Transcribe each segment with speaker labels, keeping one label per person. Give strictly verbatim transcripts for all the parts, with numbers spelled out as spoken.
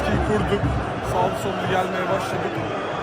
Speaker 1: baskıyı kurduk. Sağlı sollu gelmeye başladık.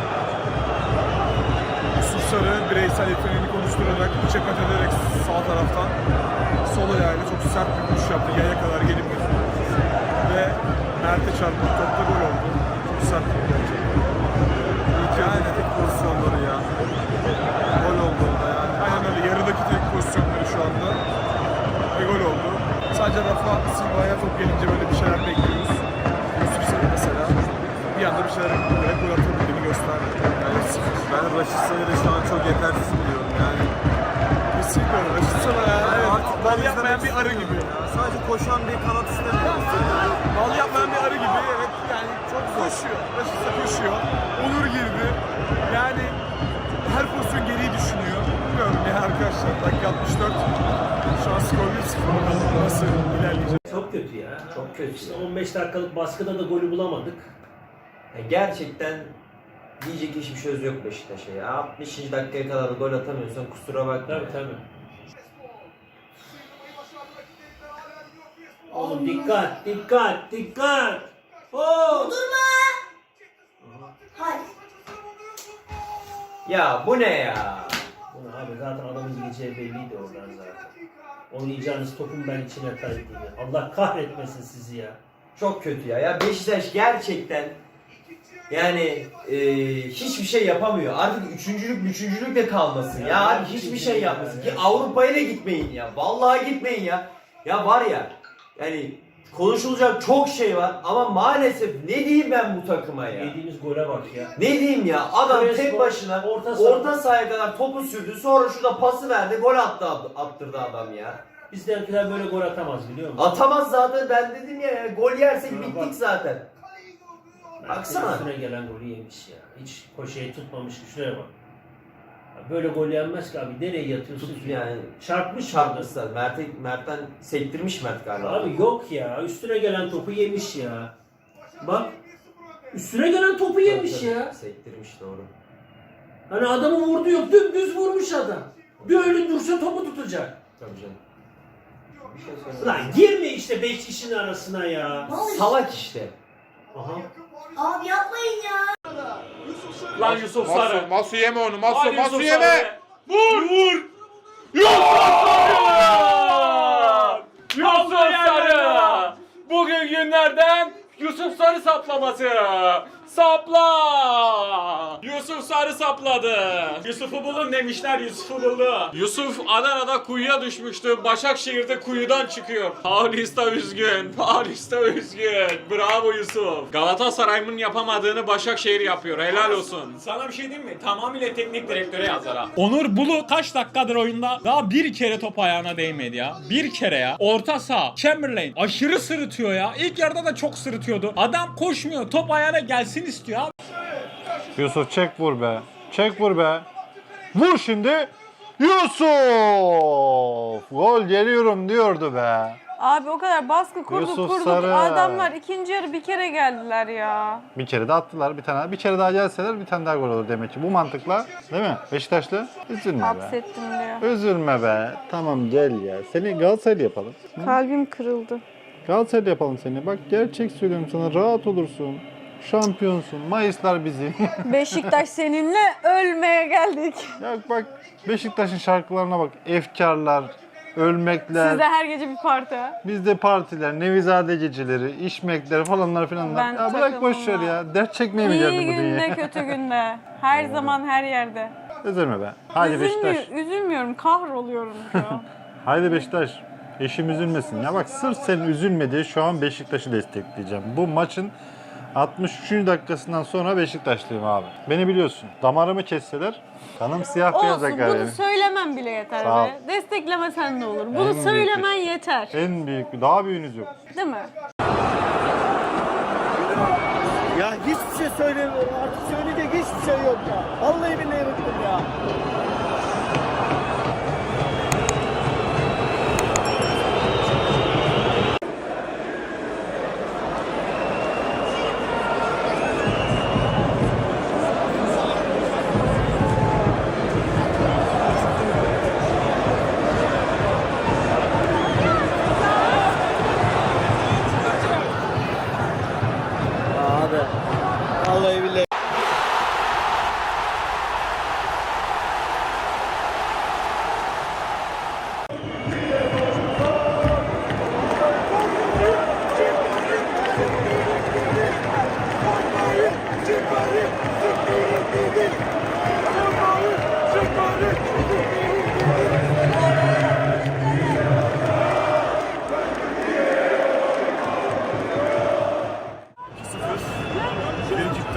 Speaker 1: Yusuf Sarı bireysel yeteneğini konuşturarak, içe kat ederek sağ taraftan sol ayağıyla çok sert bir vuruş yaptı. Yaya kadar gelip götürdü. Ve Mert'e çarptı. Topta gol oldu. Çok sert bir gerçekten. Yani tek pozisyonları ya. Gol oldu orada yani. Aynen öyle. Yarıdaki tek pozisyonları şu anda. Ve gol oldu. Sadece Rafa Silva'ya top gelince böyle bir şeyler bekliyoruz. Yusuf Sarı mesela bir anda bir şeyler yapıp gol atabildiğini gösterdi.
Speaker 2: Yani ben Raşit Sayır'ı şu an çok yetersiz buluyorum yani.
Speaker 1: Kesinlikle öyle. Raşit Sarı ya. Evet.
Speaker 2: Artık
Speaker 1: Bal yapmayan bir arı gibi.
Speaker 2: Ya. Sadece koşan bir kanat istemiyorum.
Speaker 1: Bal yapmayan bir arı gibi. Evet yani çok koşuyor. Raşit Sarı koşuyor. Onur girdi. Yani her pozisyon geriyi düşünüyor. Bilmiyorum ya arkadaşlar. Dakika altmış dört. Şu an skor bir sıfır. Nasıl ilerleyecek?
Speaker 3: Çok kötü ya.
Speaker 4: Çok kötü.
Speaker 3: İşte on beş dakikalık baskıda da golü bulamadık.
Speaker 4: Ya gerçekten diyecek hiçbir söz yok Beşiktaş'a ya. altmışıncı dakikaya kadar da gol atamıyorsan kusura bakma.
Speaker 3: Tabii tabii. Oğlum dikkat, dikkat, dikkat. Oo!
Speaker 5: Durma! Hayır.
Speaker 4: Ya bu ne ya?
Speaker 3: Bunu abi zaten adamın gideceği belliydi oradan zaten. Oynayacağınız topun ben içine kaydıydı. Allah kahretmesin sizi ya.
Speaker 4: Çok kötü ya. Ya Beşiktaş gerçekten yani e, hiçbir şey yapamıyor. Artık üçüncülük üçüncülük de kalmasın ya.
Speaker 3: Ya
Speaker 4: Abi hiçbir şey
Speaker 3: ya,
Speaker 4: yapmasın.
Speaker 3: ya.
Speaker 4: Ki Avrupa'ya da gitmeyin ya. Vallahi gitmeyin ya. Ya var ya yani konuşulacak çok şey var ama maalesef ne diyeyim ben bu takıma ya?
Speaker 3: Yediğimiz gole bak ya.
Speaker 4: Ne diyeyim ya? Adam
Speaker 3: Crespo,
Speaker 4: tek başına
Speaker 3: orta
Speaker 4: orta,
Speaker 3: saha.
Speaker 4: sahaya kadar topu sürdü. Sonra şurada pası verdi. Gol attı attırdı adam ya.
Speaker 3: Bizdenkiler böyle gol atamaz biliyor musun?
Speaker 4: Atamaz zaten ben dedim ya. Gol yersek
Speaker 3: Şuna
Speaker 4: bittik
Speaker 3: bak.
Speaker 4: zaten.
Speaker 3: Mert'in
Speaker 4: Baksana.
Speaker 3: üstüne gelen golü yemiş ya. Hiç koşeyi tutmamış. Şuraya bak. Ya böyle gol yenmez ki abi. Nereye yatıyorsun
Speaker 4: Tut
Speaker 3: ki?
Speaker 4: yani.
Speaker 3: Çarpmış
Speaker 4: Çarpmışlar. Mert'e, Mert'ten sektirmiş Mert galiba.
Speaker 3: Abi yok ya. Üstüne gelen topu yemiş ya. Bak. Üstüne gelen topu yemiş
Speaker 4: Tabii,
Speaker 3: ya.
Speaker 4: sektirmiş doğru.
Speaker 3: Hani adamı vurdu yok. Dümdüz vurmuş adam. Bir öyle dursa topu tutacak.
Speaker 4: Tabii canım. Bir şey söyleyeyim.
Speaker 3: Lan girme işte beş kişinin arasına ya.
Speaker 5: Ne oluyor?
Speaker 4: Salak işte.
Speaker 3: Aha.
Speaker 5: Abi yapmayın ya.
Speaker 6: Lan Yusuf Sarı.
Speaker 7: Masu, Masu yeme onu. Masu,
Speaker 6: Hadi
Speaker 7: Masu
Speaker 6: Yusuf
Speaker 7: yeme.
Speaker 6: Sarı. Vur! Vur! Yusuf Sarı! Yusuf Sarı! Bugün günlerden Yusuf Sarı saplaması. Sapla! Yusuf Sarı sapladı. Yusuf'u bulun demişler, Yusuf'u buldu. Yusuf Adana'da kuyuya düşmüştü. Başakşehir'de kuyudan çıkıyor. Paulista üzgün. Paulista üzgün. Bravo Yusuf. Galatasaray'ın yapamadığını Başakşehir yapıyor. Helal olsun. Sana bir şey diyeyim mi? Tamamıyla teknik direktöre yazar ha.
Speaker 8: Onur Bulu kaç dakikadır oyunda? Daha bir kere top ayağına değmedi ya. Bir kere ya. Orta saha. Chamberlain aşırı sırıtıyor ya. İlk yarıda da çok sırıtıyordu. Adam koşmuyor. Top ayağına gelsin istiyor abi.
Speaker 9: Yusuf çek vur be. Çek vur be. Vur şimdi. Yusuf! Gol geliyorum diyordu be.
Speaker 10: Abi o kadar baskı kurduk
Speaker 9: Yusuf
Speaker 10: kurduk.
Speaker 9: Sarı.
Speaker 10: Adamlar ikinci yarı bir kere geldiler ya.
Speaker 9: Bir kere de attılar bir tane. Bir kere daha gelseler bir tane daha gol olur demek ki. Bu mantıkla değil mi? Beşiktaşlı üzülme be.
Speaker 10: Hapsettim diyor.
Speaker 9: Üzülme be. Tamam gel ya. Seni Galatasaraylı yapalım.
Speaker 10: Kalbim kırıldı.
Speaker 9: Galatasaraylı yapalım seni. Bak gerçek söylüyorum sana. Rahat olursun. Şampiyonsun. Mayıslar bizim.
Speaker 10: Beşiktaş seninle ölmeye geldik.
Speaker 9: Ya bak Beşiktaş'ın şarkılarına bak. Efkarlar, ölmekler.
Speaker 10: Sizde her gece bir parti ha.
Speaker 9: Bizde partiler, Nevizade geceleri, işmekler falanlar filanlar.
Speaker 10: Ben
Speaker 9: Ya bırak boş ver
Speaker 10: takımım
Speaker 9: ya. Dert çekmeye mi
Speaker 10: İyi
Speaker 9: geldin bu
Speaker 10: günde
Speaker 9: dünyaya?
Speaker 10: kötü günde. Her zaman her yerde.
Speaker 9: Üzülme be. Haydi
Speaker 10: Üzülmüyor,
Speaker 9: Beşiktaş.
Speaker 10: üzülmüyorum, kahroluyorum şu an.
Speaker 9: Haydi Beşiktaş. Eşim üzülmesin. Ya bak sırf senin üzülme diye şu an Beşiktaş'ı destekleyeceğim. Bu maçın altmış üçüncü dakikasından sonra Beşiktaşlıyım abi. Beni biliyorsun. Damarımı kesseler kanım siyah beyaz
Speaker 10: Olsun,
Speaker 9: akar
Speaker 10: bunu
Speaker 9: benim.
Speaker 10: söylemem bile yeter
Speaker 9: Sağ ol.
Speaker 10: be. Desteklemesen ne olur?
Speaker 9: En
Speaker 10: Bunu
Speaker 9: büyük
Speaker 10: söylemen yeter.
Speaker 9: En büyük bir, daha büyüğünüz yok.
Speaker 10: Değil mi?
Speaker 2: Ya hiçbir şey söylemiyorum artık söyleyecek hiçbir şey yok ya. Vallahi billahi bıktım ya.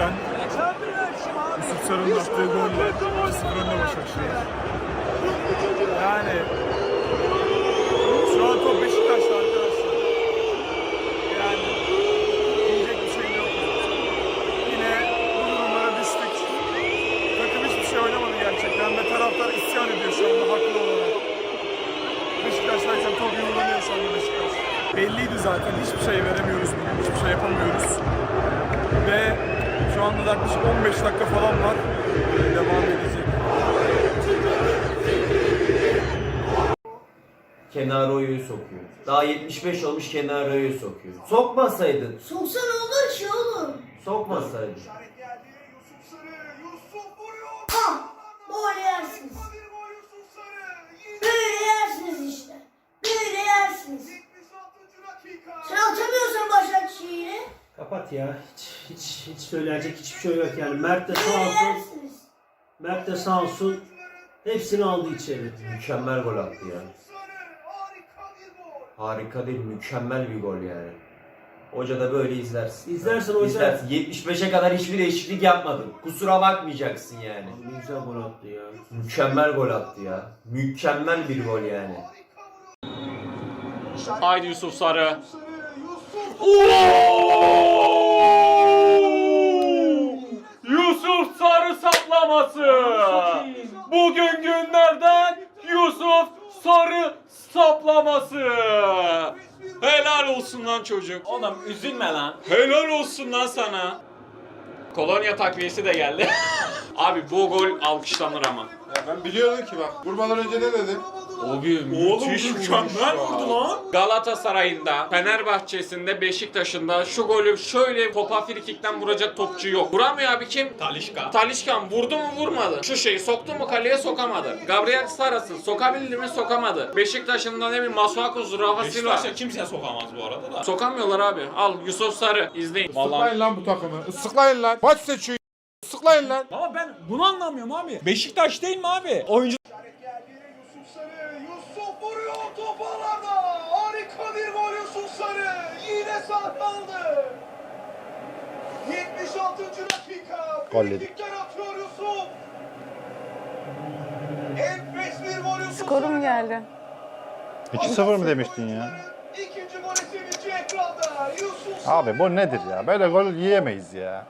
Speaker 1: Gerçekten Yusuf Sarı'nın attığı golle iki sıfır önde Başakşehir. Yani şu an top Beşiktaş'ta arkadaşlar. Yani diyecek bir şey yok. Yine bu durumlara düştük. Takım hiçbir şey oynamadı gerçekten ve taraftar isyan ediyor şu anda haklı olarak. Beşiktaş'tayken top yumrulanıyor şu anda Beşiktaş. Belliydi zaten, hiçbir şey veremiyoruz bugün, hiçbir şey yapamıyoruz. Ve şu anda yaklaşık on beş dakika falan var. Devam edecek.
Speaker 4: Kenaro'yu sokuyor. Daha yetmiş beş olmuş Kenaro'yu sokuyor. Sokmasaydın.
Speaker 5: Soksa ne olur ki oğlum?
Speaker 4: Sokmasaydın.
Speaker 5: Ah! Böyle yersiniz. Böyle yersiniz işte. Böyle yersiniz. Sen atamıyorsan Başakşehir'i.
Speaker 3: Kapat ya. Hiç, hiç, hiç söylenecek hiçbir şey yok yani. Mert de sağ
Speaker 5: Böyle
Speaker 3: olsun.
Speaker 5: yersiniz.
Speaker 3: Mert de sağ olsun. Hepsini aldı içeri.
Speaker 4: Mükemmel gol attı ya. Harika değil, mükemmel bir gol yani. Hoca da böyle izlersin.
Speaker 3: İzlersin hoca.
Speaker 4: İzlersin. yetmiş beşe kadar hiçbir değişiklik yapmadın. Kusura bakmayacaksın yani.
Speaker 3: Ne güzel gol attı ya.
Speaker 4: Mükemmel gol attı ya. Mükemmel bir gol yani.
Speaker 6: Haydi Yusuf Sarı. Yusuf Sarı saplaması. Bugün günlerden Yusuf Sarı saplaması. Helal olsun lan çocuk.
Speaker 8: Oğlum üzülme lan.
Speaker 6: Helal olsun lan sana. Kolonya takviyesi de geldi. Abi bu gol alkışlanır ama.
Speaker 1: Ya ben biliyordum ki bak. Vurmadan önce ne dedim?
Speaker 6: Abi müthiş mükemmel vurdu lan. Galatasaray'ında, Fenerbahçe'sinde, Beşiktaş'ında şu golü şöyle topa frikikten vuracak topçu yok. Vuramıyor abi kim?
Speaker 8: Talişka.
Speaker 6: Talişkan vurdu mu vurmadı. Şu şeyi soktu mu kaleye sokamadı. Gabriel Saras'ın sokabildi mi sokamadı. Beşiktaş'ın da ne bileyim Masuaku'su, Rafa Silva.
Speaker 8: Beşiktaş'a kimse sokamaz bu arada da.
Speaker 6: Sokamıyorlar abi. Al Yusuf Sarı izleyin.
Speaker 8: Vallahi
Speaker 1: lan bu takımı. Islıklayın lan. Maç seçiyor. Islıklayın lan.
Speaker 8: ama ben bunu anlamıyorum abi. Beşiktaş değil mi abi? Oyuncu
Speaker 1: Yusuf vuruyor top alana. Harika bir gol Yusuf Sarı. Yine sağ kaldı. yetmiş altıncı dakika.
Speaker 9: Gol yedik.
Speaker 1: Frikikten atıyor Yusuf. Enfes bir gol Yusuf
Speaker 10: Skorum
Speaker 1: Sarı.
Speaker 10: geldi.
Speaker 9: iki sıfır mı demiştin ya?
Speaker 1: İkinci golü sevinci ekranda. Yusuf Sarı.
Speaker 9: Abi bu nedir ya? Böyle gol yiyemeyiz ya.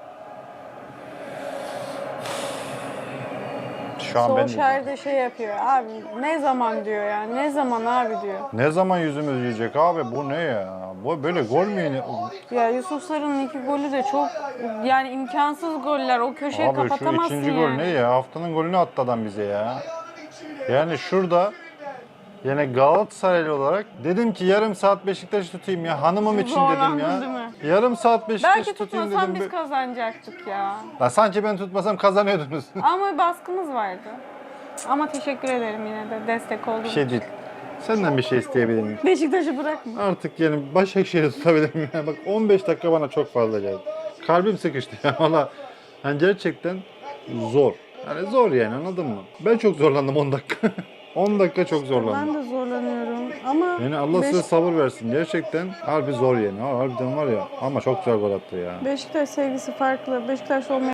Speaker 9: Şu an ben
Speaker 10: Solskjaer de şey yapıyor abi ne zaman diyor ya ne zaman abi diyor.
Speaker 9: ne zaman yüzümüz yiyecek abi? Bu ne ya? Bu böyle gol mü yine?
Speaker 10: Ya Yusuf Sarı'nın iki golü de çok yani imkansız goller o köşeyi
Speaker 9: Abi şu
Speaker 10: kapatamazsın
Speaker 9: ikinci
Speaker 10: yani.
Speaker 9: gol ne ya? Haftanın golünü attı adam bize ya. Yani şurada yani Galatasaraylı olarak dedim ki yarım saat Beşiktaş tutayım ya. Hanımım için dedim
Speaker 10: Zorlandın
Speaker 9: ya.
Speaker 10: değil mi?
Speaker 9: Yarım saat Beşiktaş
Speaker 10: Belki
Speaker 9: tutayım
Speaker 10: tutmasan
Speaker 9: dedim.
Speaker 10: biz kazanacaktık ya.
Speaker 9: Lan sanki ben tutmasam kazanıyordunuz.
Speaker 10: Ama baskımız vardı. Ama teşekkür ederim yine de destek olduğun
Speaker 9: Bir şey değil. Senden bir şey isteyebilir miyim?
Speaker 10: Beşiktaş'ı bırakma.
Speaker 9: Artık yani Başakşehir'i tutabilir miyim? Yani bak on beş dakika bana çok fazla geldi. Kalbim sıkıştı ya valla. Yani gerçekten zor. Yani zor yani anladın mı? Ben çok zorlandım on dakika. on dakika çok zorlandım.
Speaker 10: Ben de zorlanıyorum ama
Speaker 9: Yani Allah
Speaker 10: Beş-
Speaker 9: size sabır versin. Gerçekten harbi zor yani. Ha, harbiden var ya ama çok güzel gol attı ya.
Speaker 10: Beşiktaş sevgisi farklı. Beşiktaş olmayan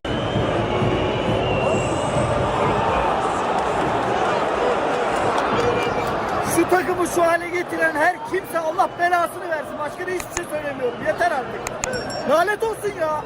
Speaker 2: Şu takımı şu hale getiren her kimse Allah belasını versin. Başka da hiçbir şey söylemiyorum. Yeter artık. Lanet olsun ya.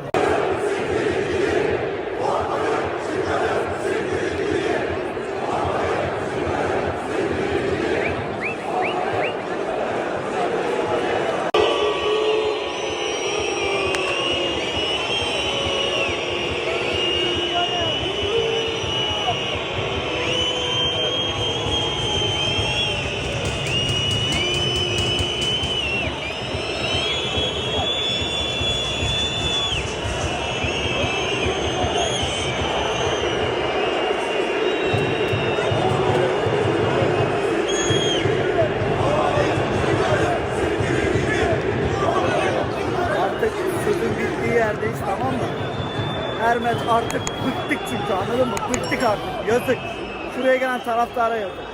Speaker 2: Artık sözün bittiği yerdeyiz tamam mı? Ermet artık bıktık çünkü anladın mı? Bıktık artık. Yazık. Şuraya gelen taraftara yazık.